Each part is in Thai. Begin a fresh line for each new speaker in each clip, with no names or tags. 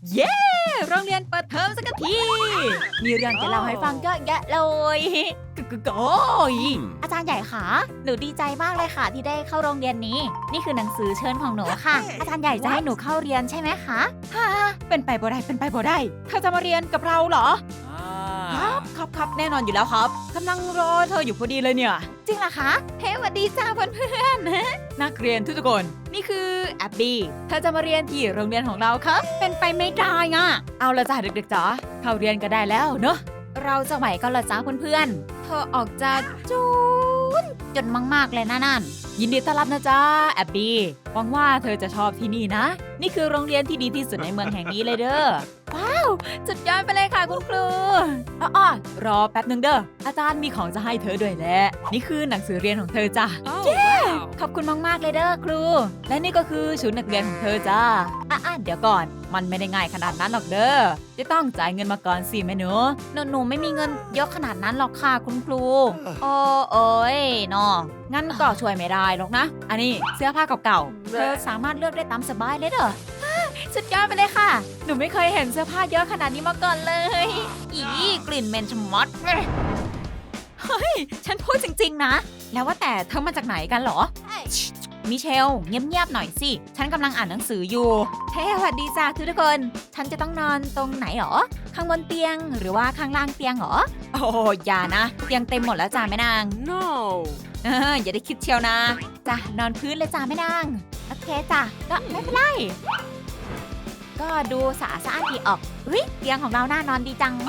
เย้โรงเรียนเปิดเทอมสักทีมีเรื่องจะเล่าให้ฟังเยอะแยะเลยโอ้ยอาจารย์ใหญ่ค่ะหนูดีใจมากเลยค่ะที่ได้เข้าโรงเรียนนี้นี่คือหนังสือเชิญของหนูค่ะอาจารย์ใหญ่จะให้หนูเข้าเรียนใช่ไหมคะฮ่าเป็นไปบ่ได้เป็นไปบ่ได้เธอจะมาเรียนกับเราเหรอครับแน่นอนอยู่แล้วครับกำลังรอเธออยู่พอดีเลยเนี่ยจริงเหรอคะเฮ้สวัสดีจ้าเพื่อนๆนักเรียนทุกคนนี่คือแอบบี้เธอจะมาเรียนที่โรงเรียนของเราครับเป็นไปไม่ได้อ่ะเอาละจ้าเด็กๆจ๋าเข้าเรียนก็ได้แล้วเนอะเราจะไหวก็ละจ้าเพื่อนๆเธอออกจะจนมากๆเลยนะนั่นยินดีต้อนรับนะจ๊ะแอบบี้หวังว่าเธอจะชอบที่นี่นะนี่คือโรงเรียนที่ดีที่สุดในเมืองแห่งนี้เลยเด้อว้าวสุดยอดไปเลยค่ะคุณครูอ้อรอแป๊บนึงเด้ออาจารย์มีของจะให้เธอด้วยแหละนี่คือหนังสือเรียนของเธอจ้ะเย้ขอบคุณมากๆเลยเด้อครูและนี่ก็คือชุดนักเรียนของเธอจ้าเดี๋ยวก่อนมันไม่ได้ง่ายขนาดนั้นหรอกเด้อจะต้องจ่ายเงินมาก่อนสิแม่หนูไม่มีเงินเยอะขนาดนั้นหรอกค่ะคุณครูโอ้ยเนาะงั้นก็ช่วยไม่ได้หรอกนะอันนี้เสื้อผ้าเก่าๆเธอสามารถเลือกได้ตามสบายเลยเด้อสุดยอดไปเลยค่ะหนูไม่เคยเห็นเสื้อผ้าเยอะขนาดนี้มาก่อนเลยกลิ่นเหม็นชะมัดเฮ้ยฉันพูดจริงๆนะแล้วว่าแต่เธอมาจากไหนกันเหรอมิเชลเงียบๆหน่อยสิฉันกำลังอ่านหนังสืออยู่เฮ้สวัสดีจ้าทุกคนฉันจะต้องนอนตรงไหนหรอข้างบนเตียงหรือว่าข้างล่างเตียงหรอโอ้อย่านะเตียงเต็มหมดแล้วจ้าแม่นาง
No
อย่าได้คิดเชียวนะจ้ะนอนพื้นเลยจ้าแม่นางโอเคจ้ะก็ไม่เป็นไรก็ดูสะอาดดีออกเตียงของเราน่านอนดีจัง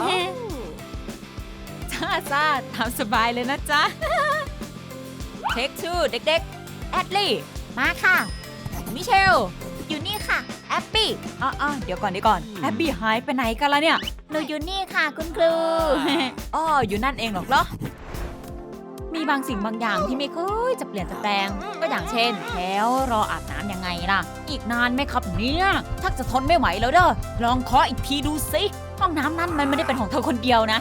จ้าตามสบายเลยนะจ๊ะเช็คชื่อเด็กๆแอดลี่มาค่ะมิเชลอยู่นี่ค่ะแอปปี้เดี๋ยวก่อนแอปปี้หายไปไหนกันล่ะเนี่ยหนูอยู่นี่ค่ะคุณครูอยู่นั่นเองหรอกเหรอมีบางสิ่งบางอย่างที่ไม่เคยจะเปลี่ยนแปลงก็อย่างเช่นแล้วรออาบน้ำยังไงล่ะอีกนานไหมครับเนี่ยชักจะทนไม่ไหวแล้วเด้อลองเคาะอีกทีดูสิห้องน้ำนั้นมันไม่ได้เป็นของเธอคนเดียวนะ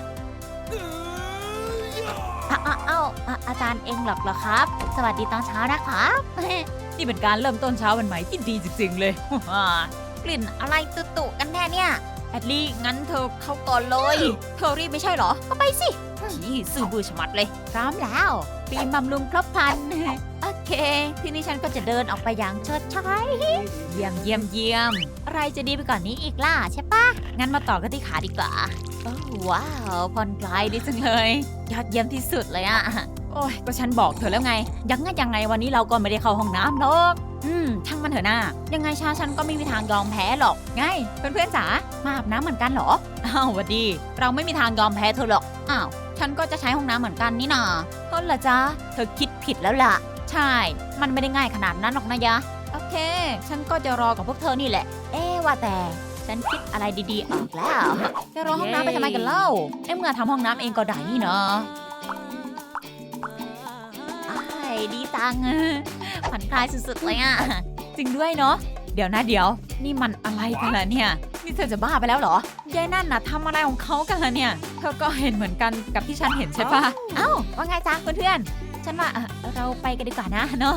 อาจารย์เองหรอครับสวัสดีตอนเช้านะครับนี่เป็นการเริ่มต้นเช้าวันใหม่ที่ดีจริงๆเลยกลิ่นอะไรตุ่ๆกันแน่เนี่ยแอดลี่งั้นเธอเข้าก่อนเลยเธอรีบไม่ใช่เหรอก็ไปสิซื่อบื้อชะมัดเลยพร้อมแล้วปีบำรุงครบพันโอเคทีนี้ฉันก็จะเดินออกไปอย่างเชิดชัยเยี่ยมอะไรจะดีไปกว่านนี้อีกล่ะใช่ปะงั้นมาต่อกันที่ขาดีกว่าว้าวผ่อนคลายดีจังเลยยอดเยี่ยมที่สุดเลยอะโอ้ยก็ฉันบอกเธอแล้วไงยังไงวันนี้เราก็ไม่ได้เข้าห้องน้ำหรอกช่างมันเถอะนะยังไงฉันก็ไม่มีทางยอมแพ้หรอกไงเพื่อนๆจ๋ามาอาบน้ำเหมือนกันเหรอหวัดดีเราไม่มีทางยอมแพ้เธอหรอกฉันก็จะใช้ห้องน้ำเหมือนกันนี่นาต้นละจ๊ะเธอคิดผิดแล้วล่ะใช่มันไม่ได้ง่ายขนาดนั้นหรอกนะยะโอเคฉันก็จะรอกับพวกเธอนี่แหละว่าแต่ฉันคิดอะไรดีๆออกแล้วจะรอห้องน้ำไปทำไมกันเล่าเมื่อทำห้องน้ำเองก็ได้นี่เนาะดีจังผ่อนคลายสุดๆเลยอ่ะจริงด้วยเนาะเดี๋ยวนี่มันอะไรกันล่ะเนี่ยนี่เธอจะบ้าไปแล้วเหรอยายนั่นน่ะทำอะไรของเขากันล่ะเนี่ยเธอก็เห็นเหมือนกันกับที่ฉันเห็นใช่ปะว่าไงจ๊ะเพื่อนๆฉันว่าเราไปกันดีกว่านะเนาะ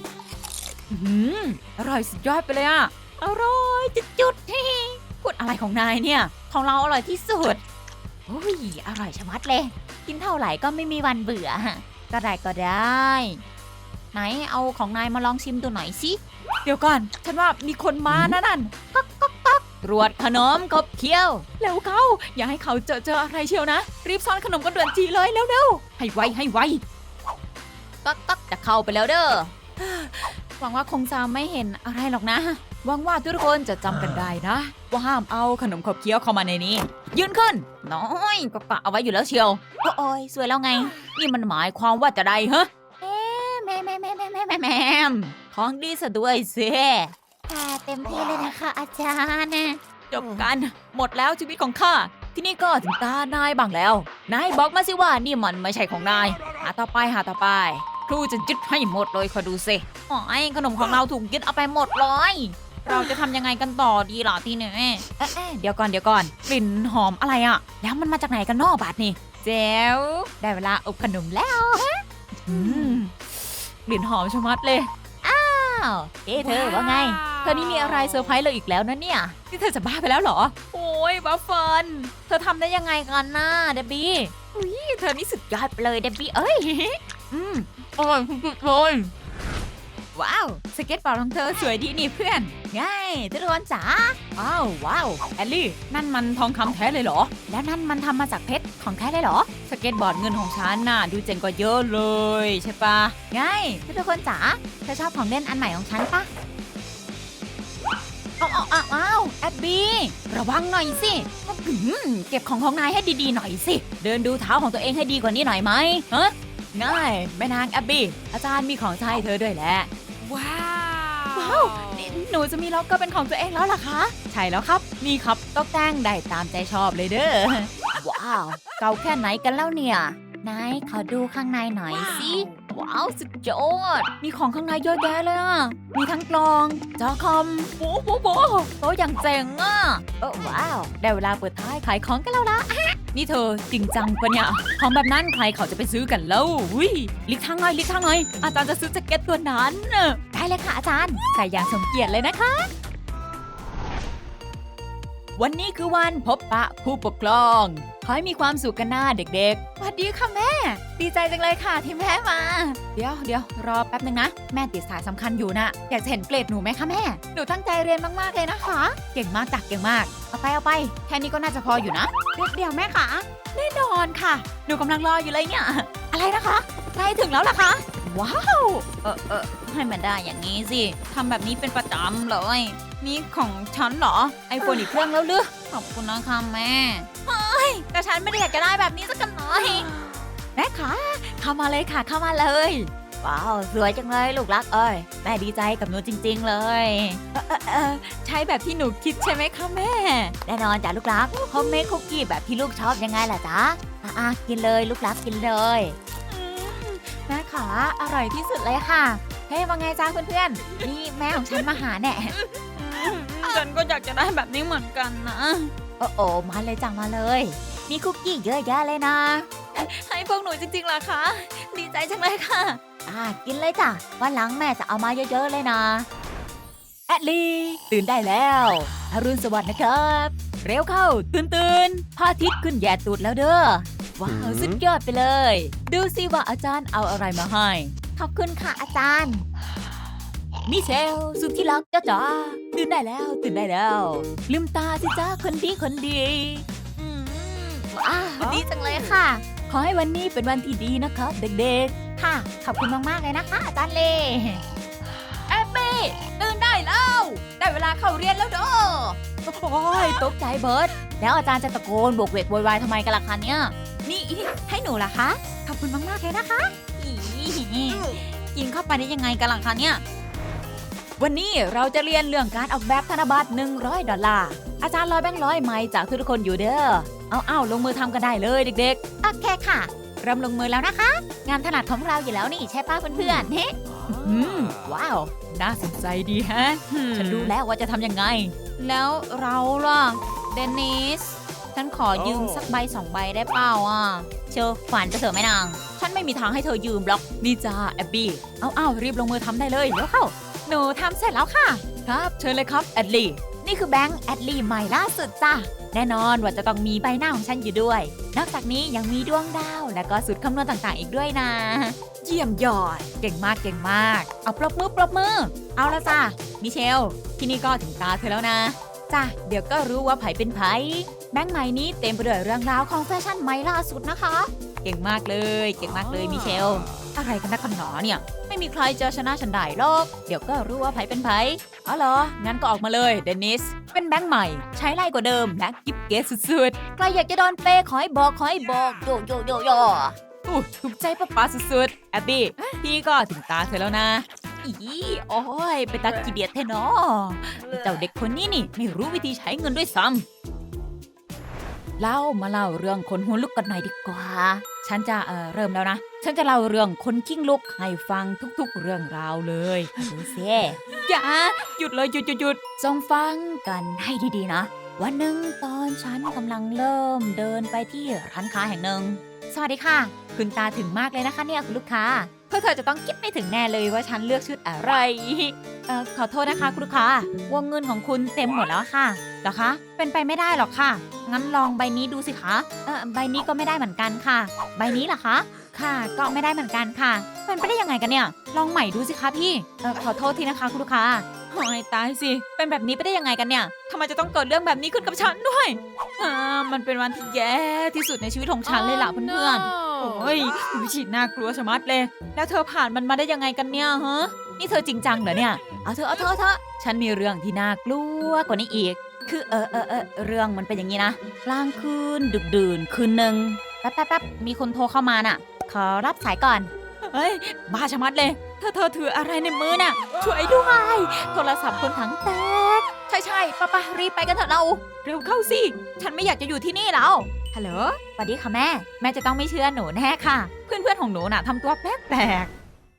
อร่อยสุดยอดไปเลยอ่ะอร่อยจุดๆพูดอะไรของนายเนี่ยของเราอร่อยที่สุดอร่อยชะมัดเลยกินเท่าไหร่ก็ไม่มีวันเบื่อก็ได้ไหนเอาของนายมาลองชิมดูหน่อยสิเดี๋ยวก่อนฉันว่ามีคนมานั่นก๊อกตรวจขนมขบเคี้ยวเร็วเข้าอย่าให้เขาเจออะไรเชียวนะรีบซ่อนขนมกันด่วนจีเลยเร็วให้ไวก๊อกจะเข้าไปแล้วเด้อหวังว่าคงจะไม่เห็นอะไรหรอกนะหวังว่าทุกคนจะจำกันได้นะว่าห้ามเอาขนมขบเคี้ยวเข้ามาในนี้ยืนขึ้นน้อยก็กะเอาไว้อยู่แล้วเชียวโอ้ยสวยแล้วไงนี่มันหมายความว่าจะได้ฮะแม่ของดีซะด้วยสิค่ะเต็มที่เลยนะคะอาจารย์จบกันหมดแล้วชีวิตของข้าที่นี่ก็ถึงตานายบ้างแล้วนายบอกมาสิว่านี่มันไม่ใช่ของนายหาต่อไปครูจะยึดให้หมดเลยคอยดูสิขนมของเราถูกยึดเอาไปหมดเลยเราจะทำยังไงกันต่อดีล่ะทีนี้เดี๋ยวก่อนกลิ่นหอมอะไรอ่ะแล้วมันมาจากไหนกันนอกบาดนี่เจ๋วได้เวลาอบขนมแล้วกลิ่นหอมชะมัดเลยเธอว่าไงเธอนี่มีอะไรเซอร์ไพรส์เราอีกแล้วนะเนี่ยนี่เธอจะบ้าไปแล้วเหรอโอ้ยบัฟเฟิลเธอทำได้ยังไงกันน่ะเดบบี้อุ้ยเธอนี่สุดยอดไปเลยเดบบี้เอ้ยอร่อยสุดๆเลยว้าวสเก็ตบอร์ดของเธอสวยดีนี่เพื่อนง่ายทุกคนจ๋าว้าวแอลลี่นั่นมันทองคำแท้เลยเหรอแล้วนั่นมันทำมาจากเพชรของแท้เลยเหรอสเก็ตบอร์ดเงินของฉันน่ะดูเจ๋งกว่าเยอะเลยใช่ปะง่ายทุกคนจ๋าเธอชอบของเล่นอันใหม่ของฉันปะอ้าวแอบบี้ระวังหน่อยสิเก็บของนายให้ดีๆหน่อยสิเดินดูเท้าของตัวเองให้ดีกว่านี้หน่อยไหมฮะง่ายแม่นางแอบบี้อาจารย์มีของใช้เธอด้วยแหละว้าวนี่หนูจะมีล็อกเกอร์เป็นของตัวเองแล้วล่ะคะใช่แล้วครับนี่ครับตกแต่งได้ตามใจชอบเลยเด้อว้าวเก่าแค่ไหนกันแล้วเนี่ยนายขอดูข้างในหน่อยสิว้าวสุดยอดมีของข้างในเยอะแยะเลยอ่ะมีทั้งกลองจอคอมโอ้อย่างเจ๋งอ่ะว้าวได้เวลาเปิดท้ายขายของกันแล้วล่ะนี่เธอจริงจังปะเนี่ยของแบบนั้นใครเขาจะไปซื้อกันแล้วลิกทางหน่อยอาจารย์จะซื้อแจ็คเก็ตตัวนั้นได้เลยค่ะอาจารย์ใส่อย่างสมเกียรติเลยนะคะวันนี้คือวันพบปะผู้ปกครองขอให้มีความสุขกันหน้าเด็กๆสวัสดีค่ะแม่ดีใจจังเลยค่ะที่แม่มาเดี๋ยวรอแป๊บนึงนะแม่ติดสายสำคัญอยู่นะอยากจะเห็นเกรดหนูไหมคะแม่หนูตั้งใจเรียนมากๆเลยนะคะเก่งมากเก่งมากเอาไปแค่นี้ก็น่าจะพออยู่นะเดี๋ยวแม่ค่ะแน่นอนค่ะหนูกำลังรออยู่เลยเนี่ยอะไรนะคะใกล้ถึงแล้วล่ะคะว้าวให้มันได้อย่างนี้สิทำแบบนี้เป็นประจำเลยนี่ของฉันเหรอไอโฟนอีกเครื่องแล้วหรือขอบคุณนะคะแม่แต่ฉันไม่ได้อยากจะได้แบบนี้สักหน่อยแม่คะเข้ามาเลยค่ะเข้ามาเลยว้าวสวยจังเลยลูกรักแม่ดีใจกับหนูจริงๆเลยใช้แบบที่หนูคิดใช่ไหมคะแม่แน่นอนจ้ะลูกรักโฮมเมดคุกกี้แบบที่ลูกชอบยังไงล่ะจ๊ะกินเลยลูกรักกินเลยแม่ขาอร่อยที่สุดเลยค่ะเฮ้ยว่าไงจ้าเพื่อนๆนี่แม่ของฉันมาหาแน่ฉันก็อยากจะได้แบบนี้เหมือนกันนะมาเลยจังมาเลยมีคุกกี้เยอะแยะเลยนะให้พวกหนูจริงๆล่ะคะดีใจจังเลยค่ะกินเลยจ้ะวันหลังแม่จะเอามาเยอะๆเลยนะแอดลี่ตื่นได้แล้วอรุณสวัสดิ์นะครับเร็วเข้าตื่นพระอาทิตย์ขึ้นแย่ตูดแล้วเด้อว้าวสุดยอดไปเลยดูสิว่าอาจารย์เอาอะไรมาให้ขอบคุณค่ะอาจารย์มิเชลสุดที่รักจ้าตื่นได้แล้วลืมตาสิจ้าคนดีว้าวดีจังเลยค่ะขอให้วันนี้เป็นวันที่ดีนะครับเด็กๆค่ะขอบคุณมากๆเลยนะคะอาจารย์เล่แอบบี้ตื่นได้แล้วได้เวลาเข้าเรียนแล้วเด้อโอ้ยตกใจเบิร์ดแล้วอาจารย์จะตะโกนโบกเวกโวยวายทำไมกันล่ะคะเนี่ยนี่ให้หนูล่ะคะขอบคุณมากๆเลยนะคะกินเข้าไปได้ยังไงกันล่ะคะเนี่ยวันนี้เราจะเรียนเรื่องการออกแบบธนบัตร$100อาจารย์ลอยแบงค์ร้อยไม้จากทุกคนอยู่เด้อเอาลงมือทำกันได้เลยเด็กๆโอเคค่ะเริ่มลงมือแล้วนะคะงานถนัดของเราอยู่แล้วนี่ใช่ป้าเพื่อนๆเฮ้ว้าวน่าสนใจดีฮะฉันรู้แล้วว่าจะทำยังไงแล้วเราล่ะเดนิสฉันขอยืมสักใบ2 ใบได้เปล่าเชิญฝันจะเถอะแม่นางฉันไม่มีทางให้เธอยืมหรอกนี่จ้าแอบบี้เอารีบลงมือทำได้เลยเดี๋ยวเข้าหนูทำเสร็จแล้วค่ะครับเชิญเลยครับแอดลี่นี่คือแบงค์แอดลี่ใหม่ล่าสุดจ้ะแน่นอนว่าจะต้องมีใบหน้าของฉันอยู่ด้วยนอกจากนี้ยังมีดวงดาวและก็สูตรคำนวณต่างๆอีกด้วยนะเยี่ยมยอดเก่งมากเอาปรบมือเอาละจ้ะมิเชลที่นี่ก็ถึงตาเธอแล้วนะจ้ะเดี๋ยวก็รู้ว่าไผเป็นไผแบงค์ใหม่นี้เต็มไปด้วยเรื่องราวของแฟชั่นใหม่ล่าสุดนะคะเก่งมากเลยมิเชลอะไรกันนักกันหนอเนี่ยไม่มีใครจะชนะฉันได้หรอกเดี๋ยวก็รู้ว่าไผเป็นไผอ๋อเหรองั้นก็ออกมาเลยเดนิสเป็นแบงค์ใหม่ใช้ไล่กว่าเดิมและกิ๊บเก๋สุดๆใครอยากจะโดนเปย์ขอให้บอกโยถูกใจป้าสุดๆแอบบี้พี่ก็ถึงตาเธอแล้วนะโอ้ยไปตักกี่เดียดแท้เนาะเจ้าเด็กคนนี้นี่ไม่รู้วิธีใช้เงินด้วยซ้ำมาเล่าเรื่องคนหัวลุกกันหน่อยดีกว่าฉันจะเริ่มแล้วนะฉันจะเล่าเรื่องคนกิ้งลุกให้ฟังทุกๆเรื่องราวเลยดูสิอย่าหยุดเลยหยุดจงฟังกันให้ดีๆนะวันหนึ่งตอนฉันกำลังเริ่มเดินไปที่ร้านค้าแห่งหนึ่งสวัสดีค่ะคุณตาถึงมากเลยนะคะเนี่ยคุณลูกค้าพวกเธอจะต้องคิดไม่ถึงแน่เลยว่าฉันเลือกชุดอะไรขอโทษนะคะคุณลูกค้าวงเงินของคุณเต็มหมดแล้วค่ะเหรอคะเป็นไปไม่ได้หรอกค่ะงั้นลองใบนี้ดูสิคะใบนี้ก็ไม่ได้เหมือนกันค่ะใบนี้ล่ะคะค่ะก็ไม่ได้เหมือนกันค่ะเป็นไปได้ยังไงกันเนี่ยลองใหม่ดูสิคะพี่ขอโทษทีนะคะคุณลูกค้าโอ้ยตายสิเป็นแบบนี้ไปได้ยังไงกันเนี่ยทำไมจะต้องเกิดเรื่องแบบนี้ขึ้นกับฉันด้วยมันเป็นวันที่แย่ที่สุดในชีวิตของฉันเลยล่ะเพื่อนๆโอ้ยวิชิตน่ากลัวชะมัดเลยแล้วเธอผ่านมันมาได้ยังไงกันเนี่ยฮะนี่เธอจริงจังเหรอเนี่ยเอาเถอะฉันมีเรื่องที่น่ากลัวกว่านี้อีกคือเรื่องมันเป็นอย่างนี้นะกลางคืนดึกดื่นคืนหนึ่งแป๊บมีคนโทรเข้ามาน่ะขอรับสายก่อนเฮ้ยบ้าชะมัดเลยเธอถืออะไรในมือน่ะช่วยด้วยโทรศัพท์คนถังแตกใช่ป้ารีบไปกันเถอะเราเร็วเข้าสิฉันไม่อยากจะอยู่ที่นี่แล้วฮัลโหลสวัสดีค่ะแม่จะต้องไม่เชื่อหนูแน่ค่ะเพื่อนของหนูน่ะทำตัวแปลก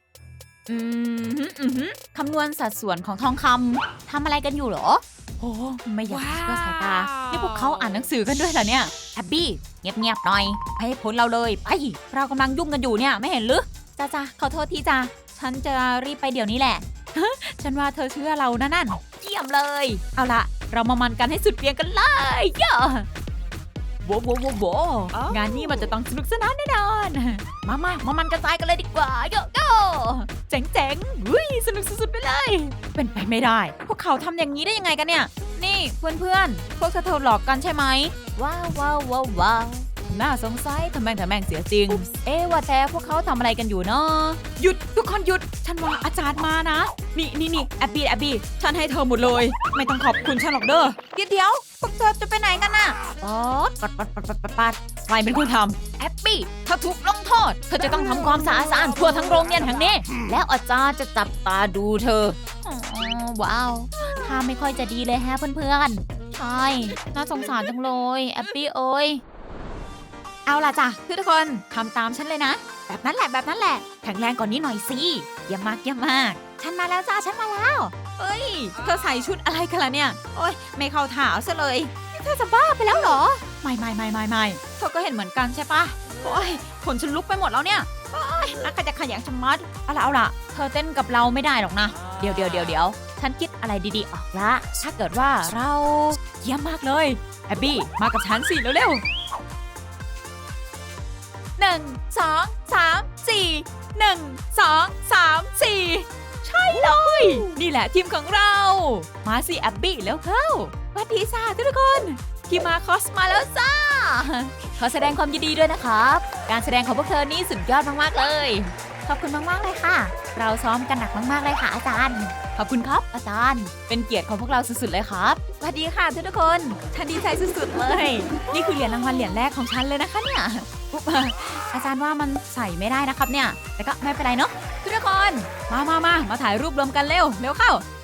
คำนวณสัดส่วนของทองคำทำอะไรกันอยู่เหรอโอ้ไม่อยากจะเชื่อสายตานี่พวกเขาอ่านหนังสือกันด้วยเหรอเนี่ยแอบบี้เงียบหน่อยให้พ้นเราเลยไปเรากำลังยุ่งกันอยู่เนี่ยไม่เห็นหรือจ้าขอโทษทีจ้าฉันจะรีบไปเดี๋ยวนี้แหละ ฉันว่าเธอเชื่อเรานั่นเยี่ยมเลยเอาล่ะเรามามันกันให้สุดเวียงกันเลยเยอะโวงานนี้มันจะต้องสนุกสนานแน่นอนมามันกระจายกันเลยดีกว่าโยเจ๋งสนุกสุดๆไปเลยเป็นไปไม่ได้พวกเขาทำอย่างนี้ได้ยังไงกันเนี่ยนี่เพื่อนพวกเธอหลอกกันใช่ไหมว้าวน่าสงสัยทำแม่งเสียจริงว่าแต่พวกเขาทำอะไรกันอยู่เนาะหยุดทุกคนหยุดฉันว่าอาจารย์มานะนี่แอบบี้ฉันให้เธอหมดเลยไม่ต้องขอบคุณฉันหรอกเด้อเดี๋ยวพวกเธอจะไปไหนกันน่ะปัดใครเป็นคนทำแอบบี้เธอถูกลงโทษเธอจะต้องทำความสะอาดทั่วทั้งโรงเรียนแห่งนี้แล้วอาจารย์จะจับตาดูเธอว้าวท่าไม่ค่อยจะดีเลยฮะเพื่อนๆใช่น่าสงสารจังเลยแอบบี้เอ้ยเอาล่ะจ้ะทุกคนทำตามฉันเลยนะแบบนั้นแหละแข็งแรงกว่านี้หน่อยสิเยี่ยมมากฉันมาแล้วจ้าฉันมาแล้วเอ้ยเธอใส่ชุดอะไรกันล่ะเนี่ยโอ้ยไม่เข้าถาวซะเลยเธอจะบ้าไปแล้วเหรอไม่เธอก็เห็นเหมือนกันใช่ปะโอ้ยขนฉันลุกไปหมดแล้วเนี่ยโอ้ยนักจะขยันชะมัดเอาล่ะเธอเต้นกับเราไม่ได้หรอกนะเดี๋ยวฉันคิดอะไรดีๆออกละถ้าเกิดว่าเราเยี่ยมมากเลยแอบบี้มากับฉันสิเร็ว1 2 3 4 1 2 3 4ใช่เลยนี่แหละทีมของเรามาสิแอบบี้แล้วเข้าสวัสดีจ้าทุกคนทีมมาคอสมาแล้วจ้าขอแสดงความยินดีด้วยนะครับการแสดงของพวกเธอนี่สุดยอดมากๆเลยขอบคุณมากๆเลยค่ะเราซ้อมกันหนักมากๆเลยค่ะอาจารย์ขอบคุณครับอาจารย์เป็นเกียรติของพวกเราสุดๆเลยครับสวัสดีค่ะทุกคนฉันดีใจสุดๆเลยนี่คือเหรียญรางวัลเหรียญแรกของฉันเลยนะคะเนี่ยอาจารย์ว่ามันใส่ไม่ได้นะครับเนี่ยแต่ก็ไม่เป็นไรเนาะทุกคนมาถ่ายรูปรวมกันเร็วเข้า